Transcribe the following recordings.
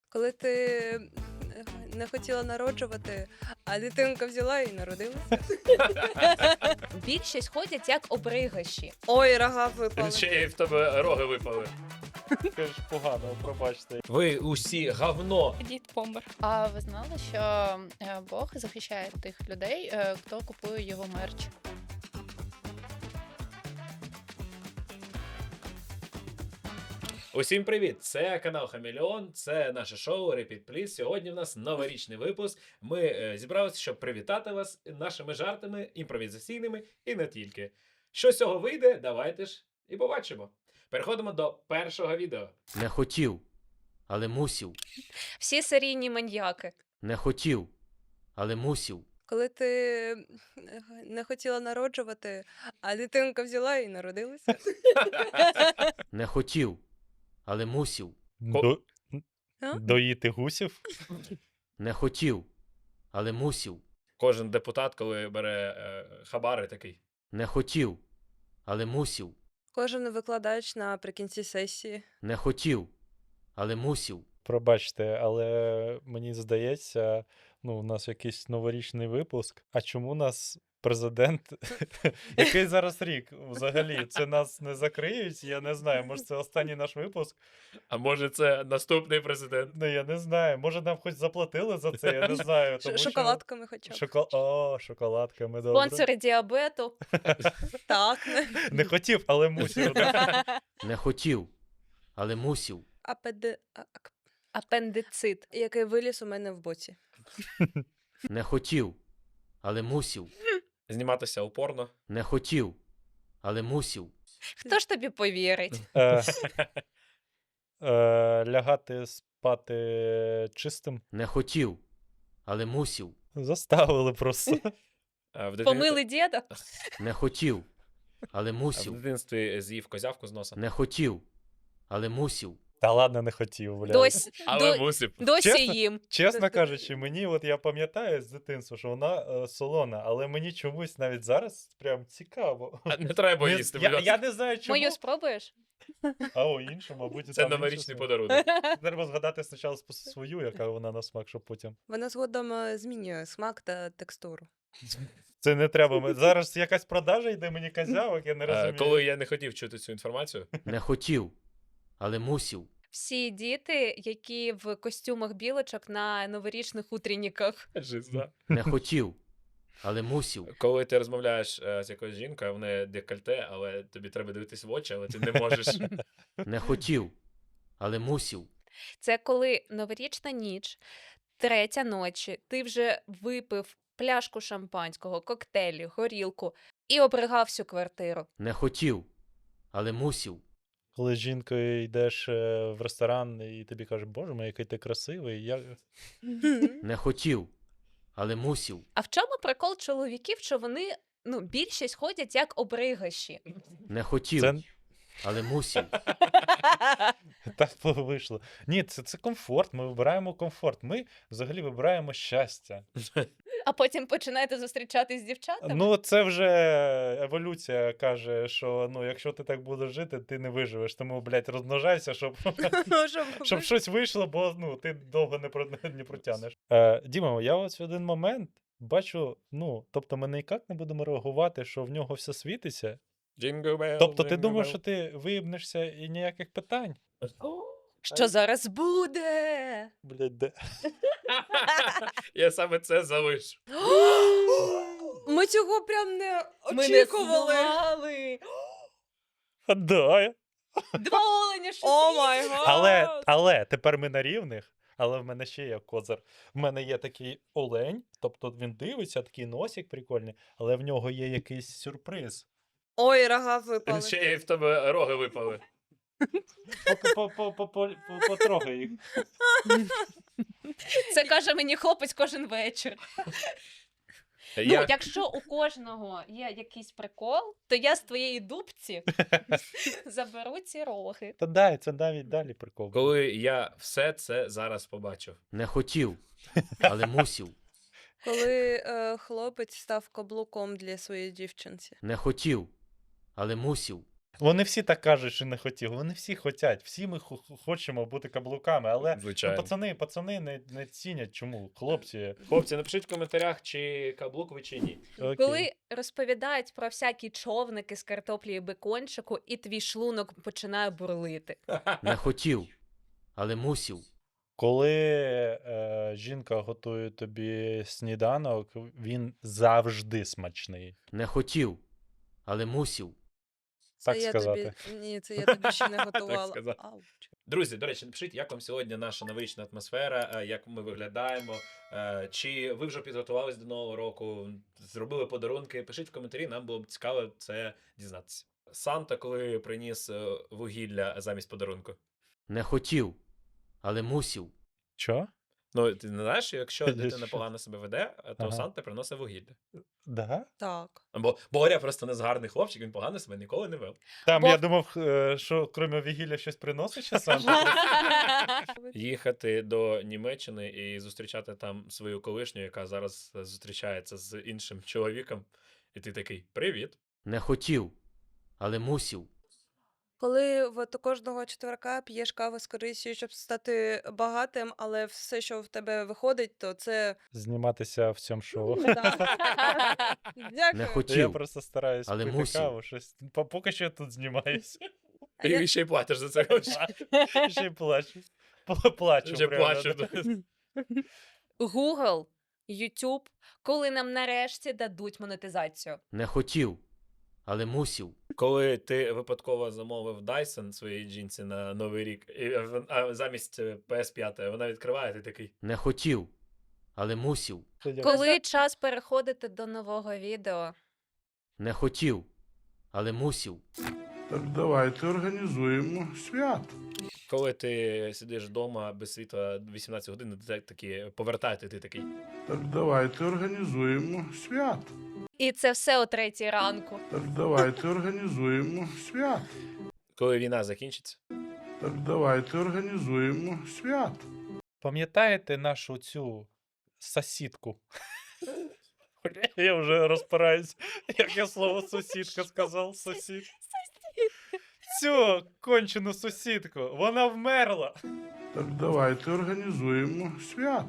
Коли ти не хотіла народжувати, а дитинка взяла і народилася. Більшість ходять як обригаші. Ой, рога випали. Ще й в тебе роги випали. Це ж погано, пробачте. Ви усі говно. Дід помер. А ви знали, що Бог захищає тих людей, хто купує його мерч? Усім привіт! Це канал Хамелеон, це наше шоу Repeat Please. Сьогодні в нас новорічний випуск. Ми зібралися, щоб привітати вас нашими жартами, імпровізаційними і не тільки. Що з цього вийде, давайте ж і побачимо. Переходимо до першого відео. Не хотів, але мусів. Всі серійні маньяки. Не хотів, але мусів. Коли ти не хотіла народжувати, а дитинка взяла і народилася. Не хотів, але мусів. А? Доїти гусів? Не хотів, але мусів. Кожен депутат, коли бере хабари, такий. Не хотів, але мусів. Кожен викладач наприкінці сесії. Не хотів, але мусів. Пробачте, але мені здається, у нас якийсь новорічний випуск. А чому нас президент? Який зараз рік взагалі? Це нас не закриють? Я не знаю. Може, це останній наш випуск? А може це наступний президент? Ну, я не знаю. Може, нам хоч заплатили за це? Я не знаю. Тому що- Шоколадками хоча б. О, шоколадками, добре. Спонсори діабету. Так. Не хотів, але мусив. да? Не хотів, але мусів. Апендицит. Який виліз у мене в боці. Не хотів, але мусів. Зніматися упорно. Не хотів, але мусів. Хто ж тобі повірить? Е, Лягати спати чистим. Не хотів, але мусів. Заставили просто. Помили діда? Не хотів, але В мусів. дитинстві з'їв козявку з носа. Не хотів, але мусів. Та ладно, не хотів, блядь. Але мусив. Досі Чесно? їм. Чесно кажучи, мені, от я пам'ятаю з дитинства, що вона солона, але мені чомусь навіть зараз прям цікаво. А не треба Не- їсти, будь ласка. я не знаю, чому. Мою спробуєш? А о, іншу, мабуть, Це там іншу новорічний свою. подарунок. Треба згадати спочатку свою, яка вона на смак, щоб потім. Вона згодом змінює смак та текстуру. Це не треба. Зараз якась продажа йде мені козявок, я не розумію. Коли я не хотів чути цю інформацію, Не хотів, але мусів. Всі діти, які в костюмах білочок на новорічних утренніках. жиза. Не хотів, але мусів. Коли ти розмовляєш з якоюсь жінкою, в неї декольте, але тобі треба дивитись в очі, але ти не можеш. Не хотів, але мусів. Це коли новорічна ніч, 3 ночі, ти вже випив пляшку шампанського, коктейлі, горілку і обригав всю квартиру. Не хотів, але мусів. Коли з жінкою йдеш в ресторан і тобі кажуть, боже мій, який ти красивий. Не хотів, але мусів. А в чому прикол чоловіків, що вони, більшість ходять як обригаші? Не хотів, Це але мусів. так вийшло. Ні, це комфорт. Ми вибираємо комфорт. Ми взагалі вибираємо щастя. А потім починаєте зустрічатись з дівчатами? Ну, це вже еволюція каже, що якщо ти так будеш жити, ти не виживеш. Тому, блядь, розмножайся, щоб щось вийшло, бо ти довго не протягнеш. Діма, я ось в один момент бачу, тобто ми ніяк не будемо реагувати, що в нього все світиться. Jingle bell, Тобто ти jingle думаєш, bell. що ти виїбнешся і ніяких питань? Що зараз буде? Блядь, де? Я саме це залишу. Ми цього прям не Ми не очікували. знали. Да. Два оленя, що О світять. май гад! Але тепер ми на рівних. Але в мене ще є козир. В мене є такий олень, тобто він дивиться, такий носик прикольний, але в нього є якийсь сюрприз. Ой, рога випали. Ще й в тебе роги випали. Потрогай їх. Це каже мені хлопець кожен вечір. Якщо у кожного є якийсь прикол, то я з твоєї дубці заберу ці роги. Та дай, це навіть далі прикол. Коли я все це зараз побачив. Не хотів, але мусів. Коли хлопець став каблуком для своєї дівчинці. Не хотів, але мусів. Вони всі так кажуть, що не хотіли. Вони всі хочуть. Всі ми хочемо бути каблуками, але ну, Звичайно. пацани не цінять. Чому? Хлопці. Хлопці, напишіть в коментарях, чи каблук ви, чи ні. Окей. Коли розповідають про всякі човники з картоплі і бекончику, і твій шлунок починає бурлити. Не хотів, але мусів. Коли жінка готує тобі сніданок, він завжди смачний. Не хотів, але мусів. Так Це я сказати. Ні, це я тобі ще не готувала. сказати. Ауч. Друзі, до речі, напишіть, як вам сьогодні наша новорічна атмосфера, як ми виглядаємо, чи ви вже підготувались до Нового року, зробили подарунки. Пишіть в коментарі, нам було б цікаво це дізнатися. Санта, коли приніс вугілля замість подарунку. Не хотів, але мусів. Чо? Ну, ти не знаєш, якщо дитина Що? погано себе веде, то Ага. Санта приносить вугілля. Да? Так. Бо Боря просто не гарний хлопчик, він погано себе ніколи не вел. Там Бо- я думав, що крім вігілля щось приносить ще сам. Їхати до Німеччини і зустрічати там свою колишню, яка зараз зустрічається з іншим чоловіком, і ти такий: привіт. Не хотів, але мусів. Коли от кожного четверка п'єш каву з корисю, щоб стати багатим, але все, що в тебе виходить, то це Зніматися в цьому шоу. Не дякую. Я хотів, просто стараюсь але пити мусів. каву, щось. Поки що я тут знімаюся. І ще й платиш за це гроші. Ще й плачу. Плачу. Ще прямо, плачу. да. Google, YouTube, коли нам нарешті дадуть монетизацію. Не хотів, але мусів. Коли ти випадково замовив Dyson своїй жінці на Новий рік, а замість PS5 вона відкриває, ти такий: Не хотів, але мусів. Коли час переходити до нового відео. Не хотів, але мусів. Так давайте організуємо свято. коли ти сидиш вдома без світла 18 годин, ти такі повертаєте, ти такий. Так давайте організуємо свято. І це все о 3 ранку. Так давайте організуємо свято. Коли війна закінчиться. Так давайте організуємо свято. Пам'ятаєте нашу цю сусідку? Я вже розпираюсь, як я слово сусідка сказав, сусід. Цю кончену сусідку, вона вмерла. Так давайте організуємо свято.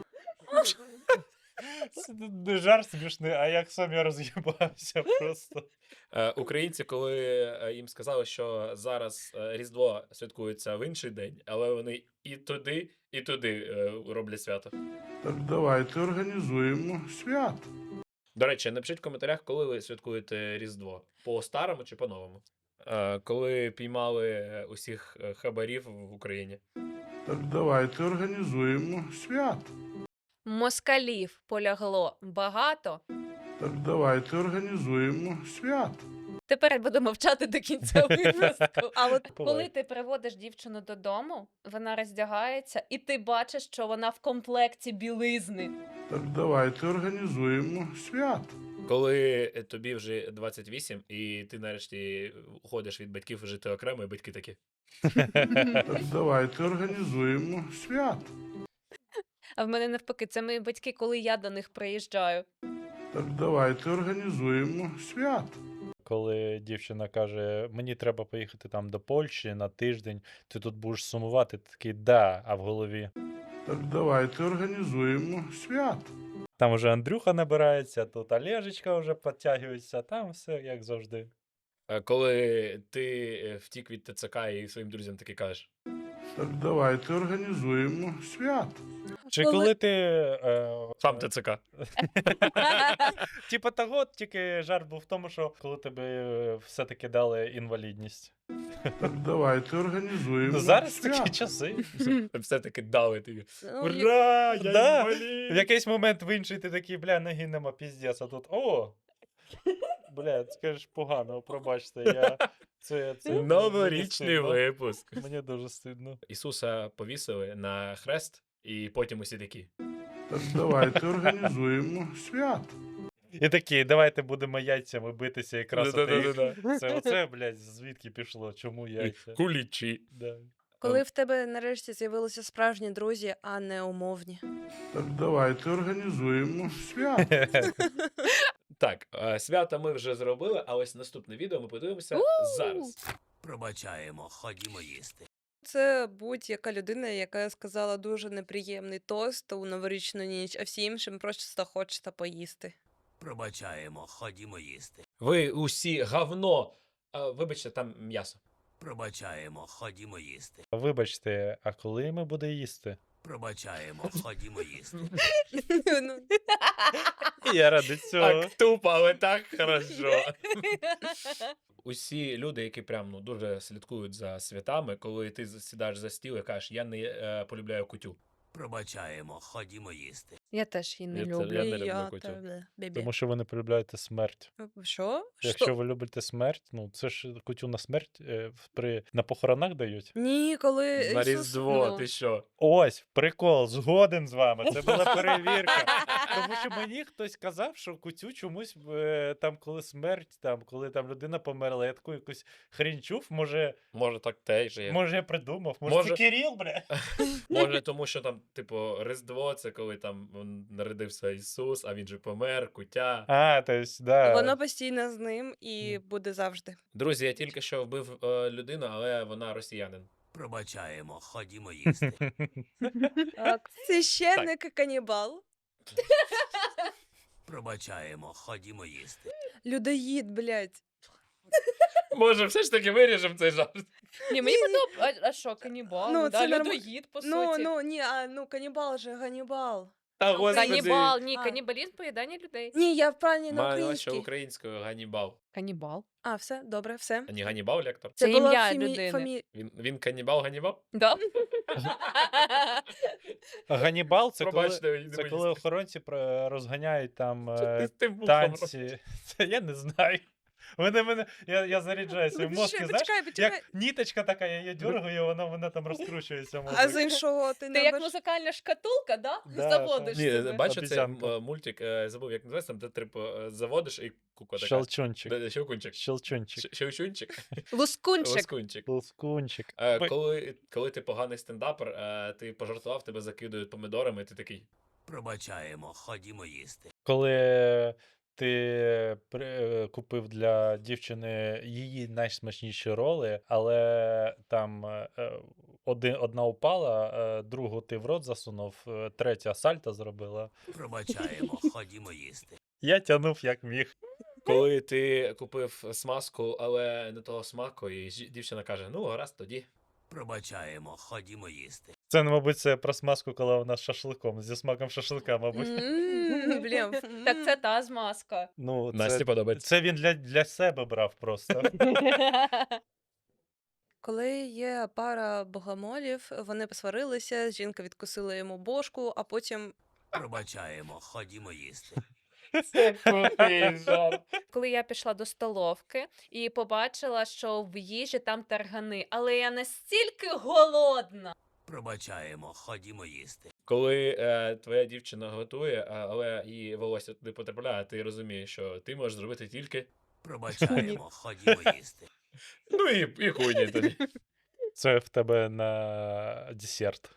Це не жарт смішний, а як сам я роз'їбався просто. Українці, коли їм сказали, що зараз Різдво святкується в інший день, але вони і туди роблять свято. Так давайте організуємо свято. До речі, напишіть в коментарях, коли ви святкуєте Різдво. По-старому чи по-новому? Коли піймали усіх хабарів в Україні. Так давайте організуємо свято. Москалів полягло багато. Так давайте організуємо свято. Тепер буду мовчати до кінця випуску. А от Коли ти приводиш дівчину додому, вона роздягається, і ти бачиш, що вона в комплекті білизни. Так давайте організуємо свято. Коли тобі вже 28, і ти нарешті уходиш від батьків жити окремо, і батьки такі. Так давайте організуємо свято. А в мене навпаки, це мої батьки, коли я до них приїжджаю. Так давайте організуємо свято. Коли дівчина каже, мені треба поїхати там до Польщі на тиждень, ти тут будеш сумувати, ти такий, да, а в голові. Так давайте організуємо свято. Там вже Андрюха набирається, тут Олежечка вже підтягується, там все як завжди. Коли ти втік від ТЦК і своїм друзям таки кажеш. Так давайте організуємо свято. Чи Коли- коли ти. Сам ТЦК. Типа того, тільки жарт був в тому, що коли тобі все-таки дали інвалідність. Так давайте організуємо Ну зараз свято. такі часи. Все-таки дали тобі. ну, Ура! Я Да. інвалід! В якийсь момент в інший ти такий, бля, ноги нема, піздець, а тут о! Бля, скажеш погано, пробачте, я. Це мені Новорічний стидно. випуск. Мені дуже стидно. Ісуса повісили на хрест, і потім усі такі. Так давайте організуємо свято. І такі, давайте будемо яйцями битися і красити їх. Да-да-да-да. Це оце, блядь, звідки пішло? Чому яйця? Кулічі. Да. коли в тебе нарешті з'явилися справжні друзі, а не умовні. Так давайте організуємо свято. Так, свята ми вже зробили, а ось наступне відео ми подивимося зараз. Пробачаємо, ходімо їсти. Це будь-яка людина, яка сказала дуже неприємний тост у новорічну ніч, а всі іншим просто хочеться поїсти. Пробачаємо, ходімо їсти. Ви усі говно. Вибачте, там м'ясо. Пробачаємо, ходімо їсти. Вибачте, а коли ми буде їсти? Пробачаємо, ходімо їсти. Ну, Я ради цього. Так тупо, але так хорошо. Усі люди, які прям дуже слідкують за святами, коли ти сідаєш за стіл і кажеш, я не полюбляю кутю. Пробачаємо, ходімо їсти. Я теж її не Я це- люблю. я не люблю я кутю. тебе, бебі. Тому що ви не полюбляєте смерть. Що? Якщо ви любите смерть, ну це ж кутю на смерть на похоронах дають. Ні, коли На Ісус... Різдво, ну. ти що? Ось, прикол, згоден з вами. Це була перевірка. Тому що мені хтось казав, що кутю чомусь там, коли смерть, там, коли там людина померла, я таку якусь хрінь чув, Може так теж є. може я придумав, може Може- це Кирил, бля. Може, тому що там, типу, Різдво, це коли там народився Ісус, а він же помер, кутя. А, то есть, да. Воно постійно з ним і буде завжди. Друзі, я тільки що вбив людину, але вона росіянин. Пробачаємо, ходімо їсти. Священник і канібал. Пробачаємо, ходімо їсти. Людоїд, блядь. Може, все ж таки виріжемо цей жарт. Ні, мені подобається. А що, канібал? Ну, Ну, це да, норм- людоїд, по Ну, суті. ні, канібал же, Ганібал. Та господи. Канібал, ні, А. канібалізм поїдання людей. Ні, я правильно на Маю що українській. українською Ганібал. Канібал. А, все, добре, все. А не Ганібал лектор? Це була ім'я людини. Він канібал Ганібал? Да? Ганібал це коли, Пробачте, не це мені коли охоронці розганяють там Ти з тим вухом танці. Це я не знаю. Я заряджаю свої мозки, знаєш, Почекай. як ніточка така, я її дергаю, вона там розкручується. А з іншого ти Ти не як бачиш? музикальна шкатулка, да? Да, Заводиш Ні, себе. бачу, це Обіцянка. мультик, забув, як називається, там, де типу заводиш і кука така. Щелчунчик. Щелкунчик. Щелчунчик. Щелчунчик. Лускунчик. Лоскунчик. Лускунчик. Коли ти поганий стендапер, ти пожартував, тебе закидують помидорами, і ти такий. Пробачаємо, ходімо їсти. Коли ти купив для дівчини її найсмачніші роли, але там одна упала, другу ти в рот засунув, третя сальто зробила. Пробачаємо, ходімо їсти. Я тягнув як міг. Коли ти купив смазку, але не того смаку, і дівчина каже: ну, гаразд, тоді. Пробачаємо, ходімо їсти. Це, мабуть, це про смазку, коли вона з шашликом, зі смаком шашлика, мабуть. Блін. Так це та змазка. Ну, Насті подобається. це він для себе брав просто. Коли є пара богомолів, вони посварилися, жінка відкусила йому бошку, а потім Пробачаємо, ходімо їсти. Це крутий жарт. Коли я пішла до столовки і побачила, що в їжі там таргани, але я настільки голодна. Пробачаємо, ходімо їсти. Коли твоя дівчина готує, але її волосся туди потрапляє, ти розумієш, що ти можеш зробити тільки. Пробачаємо, ходімо їсти. Ну і хуйні тоді. Це в тебе на десерт.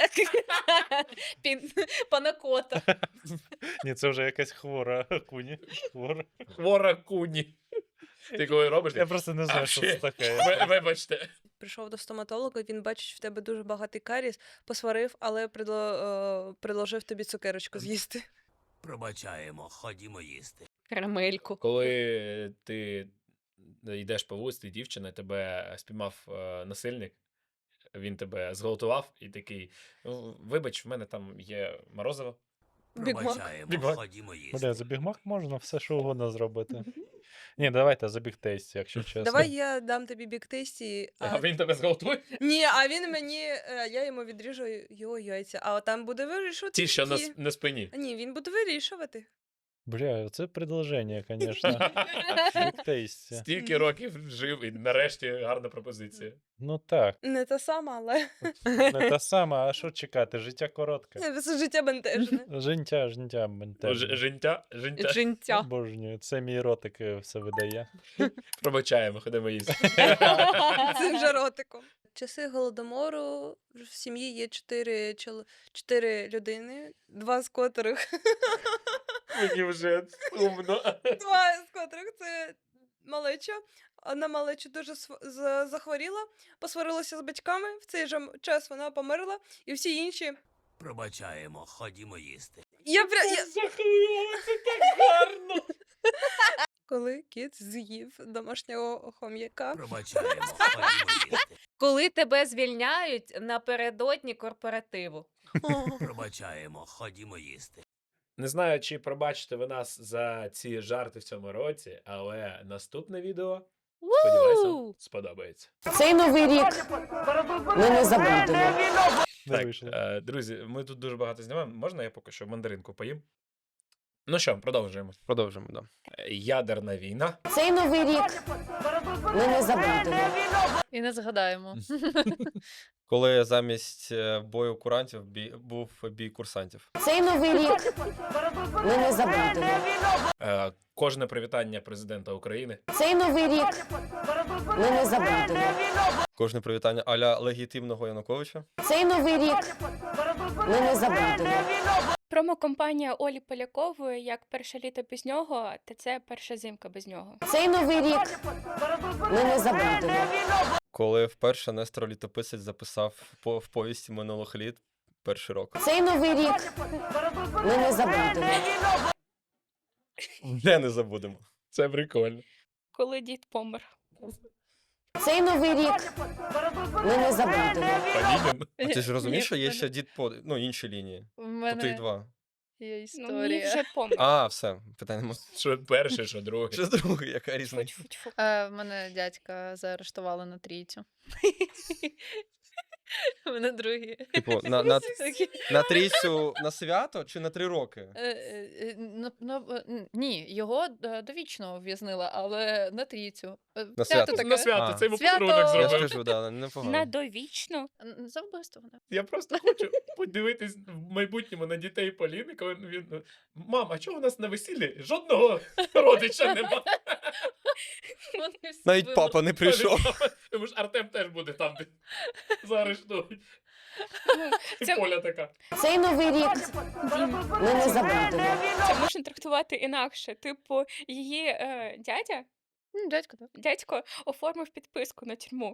Панакота. Ні, це вже якась хвора куні. Хвора. Хвора куні. Ти коли робиш, Я просто не знаю, що це таке. Вибачте. прийшов до стоматолога, він бачить в тебе дуже багатий каріс, посварив, але предложив тобі цукерочку з'їсти. Пробачаємо, ходімо їсти. Карамельку. Коли ти йдеш по вулиці, дівчина, тебе спіймав насильник, він тебе зґвалтував і такий: вибач, в мене там є морозиво. Бігмак. Пробачаємо, Бігмак. ходімо Бля, їсти. за бігмак можна все, що угодно зробити. Ні, давайте за бігтейст, якщо чесно. Давай я дам тобі бік-тесті. А він тебе зґвалтує? Ні, а він мені, я йому відріжу його яйця, а там буде вирішувати. Ті, що які. на спині. Ні, він буде вирішувати. Бля, це предложення, звісно. Бігтейсті. Стільки років жив, і нарешті гарна пропозиція. Ну так, Не та сама, але не та сама, а що чекати? Життя коротке. все життя бентежне. Життя, бентежне. Жінтя. Жінця. Обожнюю, це мій ротик все видає. Пробачаємо, ходимо їсти. Цим же ротиком. часи голодомору в сім'ї є 4 людини, 2 з котрих Мені вже сумно. 2 з котрих це малеча. Одна малеча дуже захворіла, посварилася з батьками, в цей же час вона померла, і всі інші. Пробачаємо, ходімо їсти. Я Захворіла, це так гарно. Коли кіт з'їв домашнього хом'яка. Пробачаємо, ходімо їсти. Коли тебе звільняють напередодні корпоративу. Пробачаємо, ходімо їсти. Не знаю, чи пробачите ви нас за ці жарти в цьому році, але наступне відео, сподіваюся, Ву! сподобається. Цей новий рік ми не забудемо. Не Так, вийшло. друзі, ми тут дуже багато знімаємо. Можна я поки що мандаринку поїм? Ну що, продовжуємо. Продовжимо, да. Ядерна війна. Цей новий рік ми не забудемо. І не згадаємо. Коли замість бою курантів був бій курсантів. Цей новий рік ми не забудемо. Кожне привітання президента України. Цей новий рік ми не забудемо. Кожне привітання а-ля легітимного Януковича. Цей новий рік ми не забудемо. Промокомпанія Олі Полякової як перше літо без нього, та це перша зимка без нього. Цей новий рік ми не забудемо. Коли вперше Нестор Літописець записав в повісті минулих літ перший рок. Цей новий рік ми не забудемо. Вже не забудемо. Це прикольно. Коли дід помер. Цей новий рік ми не забудемо. Панінін. А ти ж розумієш, що є Ні, ще дід по інші лінії. В Тут їх мене два. є Ну, мій історія. вже помер. А, все, питань нема. Що перше, що друге. Що другий, яка різниця? Тьфу-тьфу-тьфу. В мене дядька заарештували на трійцю. У мене другий. Типу, на трійцю на свято чи на 3 роки? Ні, його довічно ув'язнили, але на трійцю. На свято. таке. На свято, А. це йому Свято! подарунок Я ж зробив. кажу, да, На непогано. довічно. За вбивство. Да. Я просто хочу подивитись в майбутньому на дітей Поліни, коли він. Мам, а чого у нас на весіллі жодного родича нема? Вони всі Навіть вимерли. папа не прийшов. Тому ж Артем теж буде там, де заарештують. І це- Поля така. Цей новий рік Дім, ми не забудемо. це можна трактувати інакше. Типу, її Дядько, так. дядько оформив підписку на тюрму.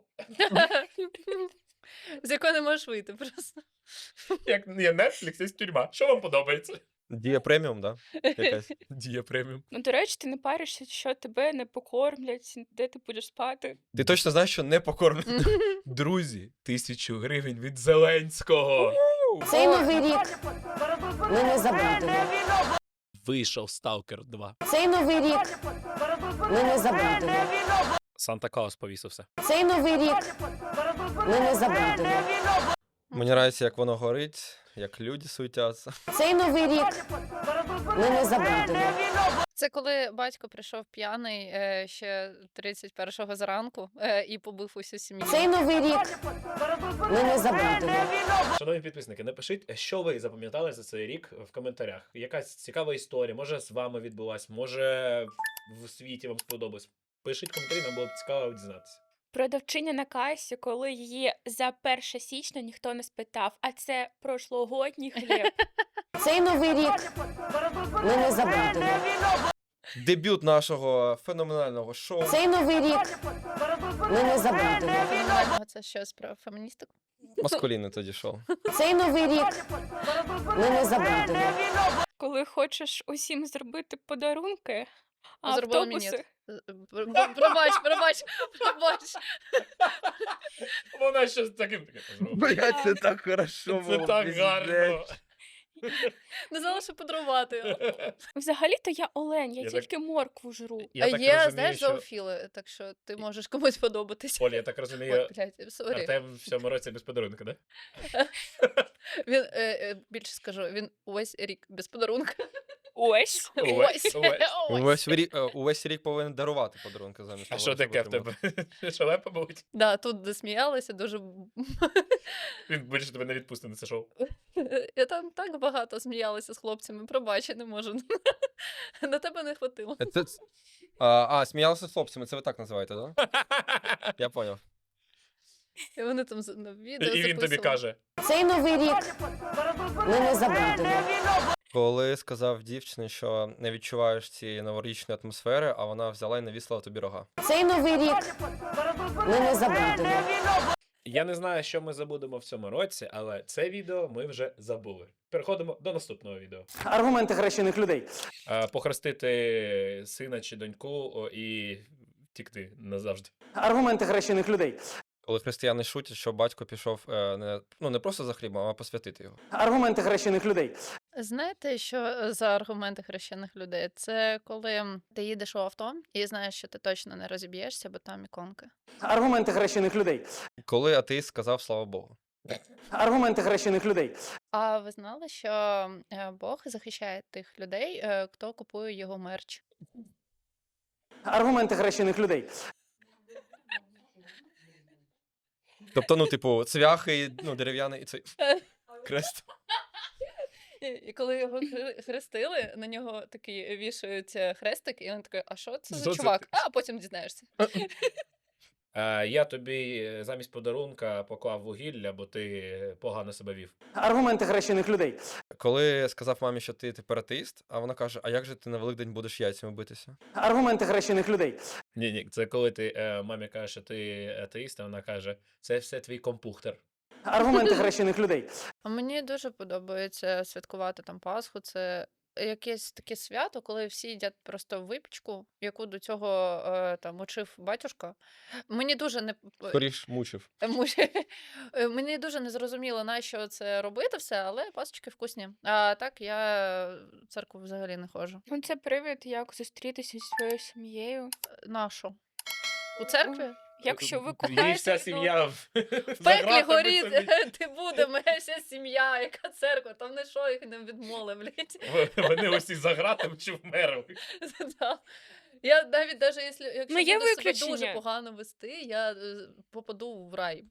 З якої не можеш вийти просто. Як є Netflix, є тюрма. Що вам подобається? Дія преміум, да? Якась. Дія преміум. Ну, до речі, ти не паришся, що тебе не покормлять, де ти будеш спати. Ти точно знаєш, що не покормлено? Друзі, 1000 гривень від Зеленського. Цей новий рік ми не забудемо. Вийшов Сталкер 2. Цей новий рік ми не забудемо. Санта Клаус повісився. Цей новий рік ми не забудемо. Мені подобається, як воно горить, як люди суетяться. Цей новий рік ми не забудемо. Це коли батько прийшов п'яний ще 31-го зранку і побив усю сім'ю. Цей новий рік ми не забудемо. Шановні підписники, напишіть, що ви запам'ятали за цей рік в коментарях. Якась цікава історія, може з вами відбулась, може в світі вам сподобалось. Пишіть коментарі, нам було б цікаво дізнатися. Продавчиня на касі, коли її за 1 січня ніхто не спитав, а це прошлогодній хліб. Цей новий рік ми не забудемо. Дебют нашого феноменального шоу. Цей новий рік ми не забудемо. Феноменального це щось про феміністику. Маскулінне тоді шоу. Цей новий рік ми не забудемо. Коли хочеш усім зробити подарунки, а Зробила мені. автобуси... Пробач. Вона щось таким зробила. це так хорошо Це так гарно. Не знала, що подарувати. Взагалі-то я олень, я Я так- тільки моркву жру. Я так Є, розумію, знаєш, що... зоофіли, так що ти можеш комусь подобатися. Оля, я так розумію, Ой, блядь, сорі. Артем в цьому році без подарунка, да? Він, більше скажу, він увесь рік без подарунка. Ось. Увесь. Увесь рік повинен дарувати подарунки замість А того, що щоб таке в отримати. тебе? Шалепа, мабуть? Да, тут засміялися дуже. Він більше тебе не відпустить на це шоу. Я там так багато сміялася з хлопцями, пробач, я не можу. На тебе не хватило. Сміялися з хлопцями, це ви так називаєте, так? Да? Я поняв. І вони там на відео І він тобі записували. каже: Цей новий рік ми не забудемо. Коли сказав дівчині, що не відчуваєш цієї новорічної атмосфери, а вона взяла і навісила тобі рога. Цей новий рік ми не забудемо. я не знаю, що ми забудемо в цьому році, але це відео ми вже забули. Переходимо до наступного відео. Аргументи хрещених людей. Похрестити сина чи доньку і втікти назавжди. Аргументи хрещених людей. Коли християни шутять, що батько пішов не просто за хлібом, а посвятити його. Аргументи хрещених людей. Знаєте, що за аргументи хрещених людей? Це коли ти їдеш у авто і знаєш, що ти точно не розіб'єшся, бо там іконки. Аргументи хрещених людей. Коли атеїст сказав слава Богу. Аргументи хрещених людей. А ви знали, що Бог захищає тих людей, хто купує його мерч? Аргументи хрещених людей. Тобто, цвяхи, дерев'яний і цей крест. І коли його хрестили, на нього такий вішають хрестик, і він такий, а що це за Що це чувак? ти? А потім дізнаєшся. Я тобі замість подарунка поклав вугілля, бо ти погано себе вів. Аргументи хрещених людей. Коли сказав мамі, що ти тепер атеїст, а вона каже, а як же ти на Великдень будеш яйцями битися? Аргументи хрещених людей. Ні, це коли ти мамі кажеш, що ти атеїст, а вона каже, це все твій компухтер. Аргументи хрещених людей. А мені дуже подобається святкувати там Пасху. Це якесь таке свято, коли всі їдять просто випічку, яку до цього там учив батюшка. Мені дуже не Скоріш мучив. Мені дуже не зрозуміло, на що це робити все, але пасочки вкусні. А так я в церкву взагалі не ходжу. Ну, це привід, як зустрітися зі своєю сім'єю. На що? У церкві? Якщо ви Її кохаєте, вся сім'я В пеклі горіть, ти буде, моя вся сім'я, яка церква, там не що їх не відмоли, блядь. Вони усі за гратом чи вмерли. Да. Я навіть якщо Ну, є буду себе дуже виключення. погано вести, я попаду в рай.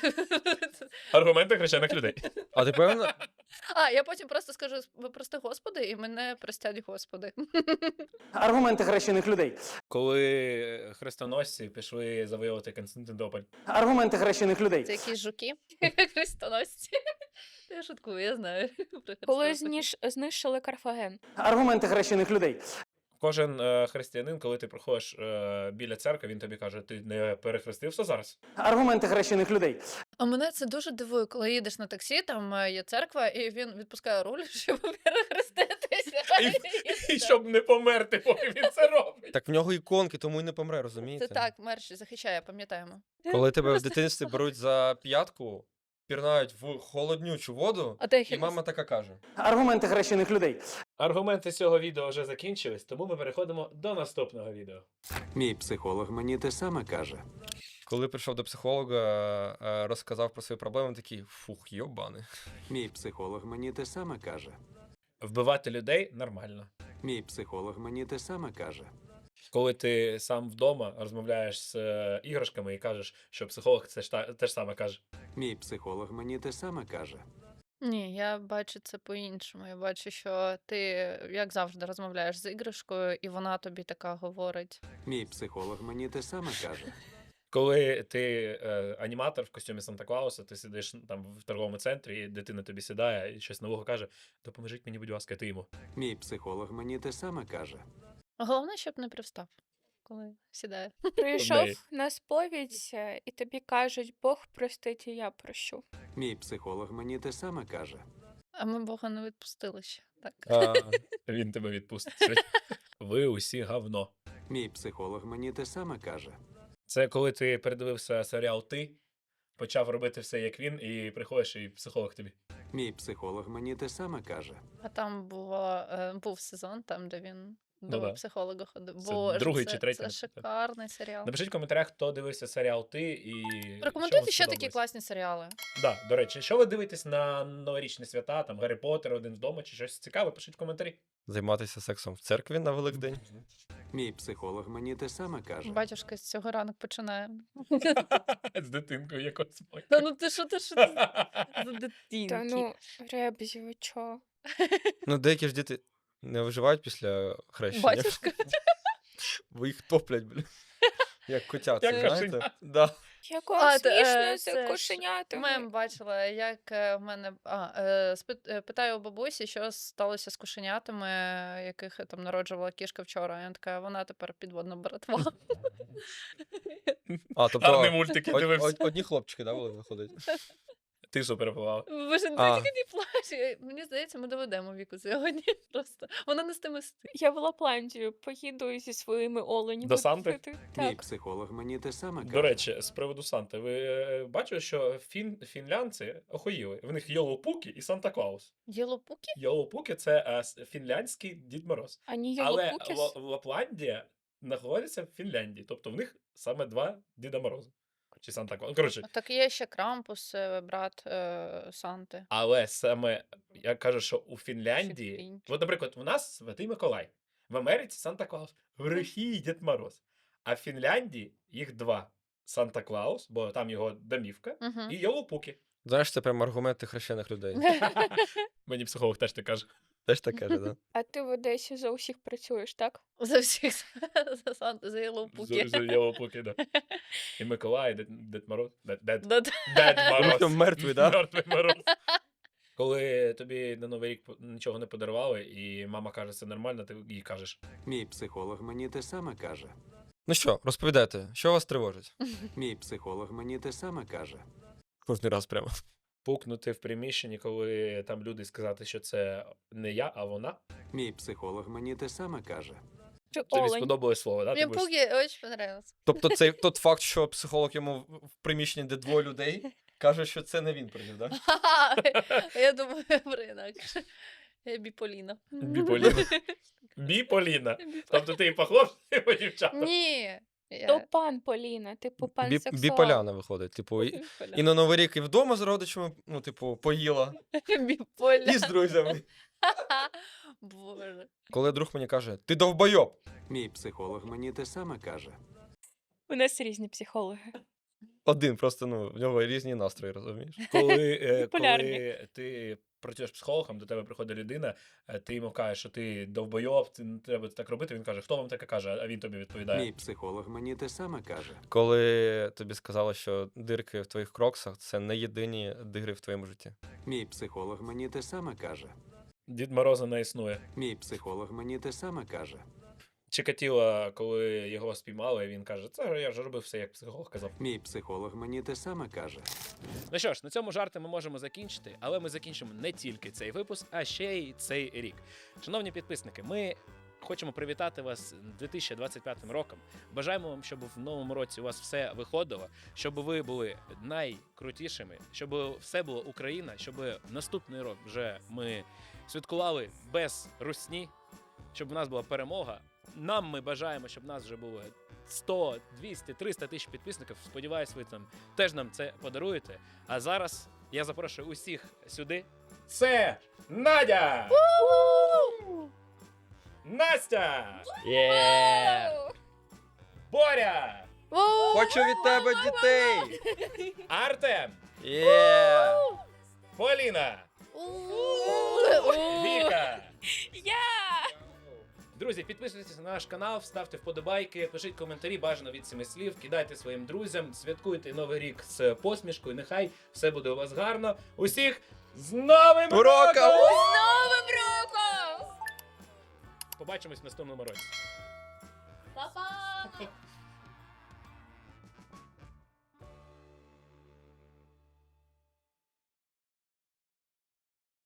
Аргументи хрещених людей. А ти певна? А, я потім просто скажу, прости Господи, і мене простять Господи. Аргументи хрещених людей. Коли хрестоносці пішли завоювати Константинополь. Аргументи хрещених людей. Це якісь жуки хрестоносці. Я шуткую, я знаю. коли знищили Карфаген. Аргументи хрещених людей. Кожен християнин, коли ти проходиш біля церкви, він тобі каже, ти не перехрестився зараз? Аргументи хрещених людей. А мене це дуже дивує, коли їдеш на таксі, там є церква, і він відпускає руль, щоб перехреститися. І щоб не померти, поки він це робить. Так в нього іконки, тому й не помре, розумієте? Це так, мерч захищає, пам'ятаємо. Коли тебе в дитинстві беруть за п'ятку, пірнають в холоднючу воду, А ти і мама така каже. Аргументи хрещених людей. Аргументи цього відео вже закінчились, тому ми переходимо до наступного відео. Мій психолог мені те саме каже. Коли прийшов до психолога, розказав про свої проблеми, такий, фух, йобани. Мій психолог мені те саме каже. Вбивати людей нормально. Мій психолог мені те саме каже. Коли ти сам вдома розмовляєш з іграшками і кажеш, що психолог це ж те ж саме каже. Мій психолог мені те саме каже. Ні, я бачу це по-іншому. Я бачу, що ти, як завжди, розмовляєш з іграшкою, і вона тобі така говорить. Мій психолог мені те саме каже. Коли ти аніматор в костюмі Санта-Клауса, ти сидиш там в торговому центрі, і дитина тобі сідає і щось нового каже, допоможіть мені, будь ласка, ти йому. Мій психолог мені те саме каже. Головне, щоб не привстав, коли сідає. Прийшов неї. на сповідь, і тобі кажуть, Бог простить, і я прощу. Мій психолог мені те саме каже. А ми Бога не відпустили ще. Так. Він тебе відпустить. Ви усі говно. Мій психолог мені те саме каже. Це коли ти передивився серіал «Ти», почав робити все як він, і приходиш, і психолог тобі. Мій психолог мені те саме каже. А там був сезон, там, де він до да. психолога ходив. Це Боже, другий чи третій, це напевно. шикарний серіал. Напишіть в коментарях, хто дивився серіал «Ти» і Рекомендуйте ще такі класні серіали. Да, до речі, що ви дивитесь на новорічні свята, там Гаррі Поттер, Один вдома, чи щось цікаве, пишіть в коментарі. Займатися сексом в церкві на Великдень. Мій психолог мені те саме каже. Батюшка з цього ранок починає. З дитинкою якось. Та ну ти що за Та дитинки? ну, Ребзі, ви чо? Ну, деякі ж діти не виживають після хрещення. Батюшка? Бо їх топлять, блін. Як котята, Як знаєте? кошенята. Да. Яко А, смішно з це ж кошенятами. Мем бачила, як в мене питаю у бабусі, що сталося з кошенятами, яких там народжувала кішка вчора. І вона така, вона тепер підводна братва. А, Гарний тобто мультик, я дивився. одні хлопчики, да, були виходить? Ти що перепливала? Боже, А. тільки не плач. Мені здається, ми доведемо Віку сьогодні. Просто вона не з тими Я в Лапландію поїду зі своїми оленями. До Санти? тусити. Мій Так. психолог мені те саме каже. До речі, з приводу Санти, ви бачили, що фінлянці охуїли. В них Йолопукі і Санта-Клаус. Єлопуки? Йолопукі — це фінляндський Дід Мороз. Ані Але Йолопукіс? Лапландія знаходиться в Фінляндії. Тобто в них саме два Діда Мороза. Чи Санта-Клаус. Коротше, Так є ще Крампус, брат Санти. але саме я кажу, що у Фінляндії, Фінляндія. от, наприклад, у нас Святий Миколай, в Америці Санта-Клаус, в Росії Дід Мороз. А в Фінляндії їх два: Санта-Клаус, бо там його домівка, Угу. і Йолопукі. Знаєш, це прям аргументи хрещених людей. Мені психолог теж так каже. Теж так каже, да? А ти в Одесі за усіх працюєш, так? За всіх за Санти, за Єлопуки. За Йолопукі, да. І Миколай, і Дед Мороз. Дед Да-да. Дед Він Мороз. там мертвий, да? Мертвий Мороз. Коли тобі на Новий рік нічого не подарували, і мама каже, це нормально, ти їй кажеш. Мій психолог мені те саме каже. Ну що, розповідайте, що вас тривожить? Мій психолог мені те саме каже. Кожний раз прямо. Пукнути в приміщенні, коли там люди, сказати, що це не я, а вона. Мій психолог мені те саме каже. Чи Тобі олень? сподобалось слово, да? Мне Пуги очень понравился. Тобто цей тот факт, що психолог йому в приміщенні, де двоє людей, каже, що це не він привів, да? Я думаю, про інакше. Я біполіна. Біполіна. Біполіна. Тобто ти і по хлопцям, і по дівчатам. Ні. То пан Поліна, типу пансексуал. Біполяна виходить. Типу, і на Новий рік і вдома з родичами, ну, типу, поїла. Біполяна. І з друзями. Боже. Коли друг мені каже, ти довбойоб. Мій психолог мені те саме каже. У нас різні психологи. Один, просто, ну, в нього різні настрої, розумієш? Коли Полярні. ти працюєш психологом, до тебе приходить людина, ти йому кажеш, що ти довбойоб, ти не треба так робити, він каже, хто вам таке каже, а він тобі відповідає. Мій психолог мені те саме каже. Коли тобі сказали, що дирки в твоїх кроксах – це не єдині дири в твоєму житті. Мій психолог мені те саме каже. Дід Мороза не існує. Мій психолог мені те саме каже. Чикатіло, коли його спіймали, він каже, це я ж робив все, як психолог казав. Мій психолог мені те саме каже. Ну що ж, на цьому жарти ми можемо закінчити, але ми закінчимо не тільки цей випуск, а ще й цей рік. Шановні підписники, ми хочемо привітати вас 2025 роком. Бажаємо вам, щоб в новому році у вас все виходило, щоб ви були найкрутішими, щоб все було Україна, щоб наступний рок вже ми святкували без русні, щоб у нас була перемога. Нам ми бажаємо, щоб нас вже було 100, 200, 300 тисяч підписників. Сподіваюсь, ви там теж нам це подаруєте. А зараз я запрошую усіх сюди. Це Надя! Настя! Боря! Хочу від тебе дітей! Артем! Поліна! Віка! Друзі, підписуйтесь на наш канал, ставте вподобайки, пишіть коментарі, бажано від 7 слів, кидайте своїм друзям, святкуйте Новий рік з посмішкою, нехай все буде у вас гарно. Усіх з Новим роком! З Новим роком! Побачимось в наступному році. Па-па!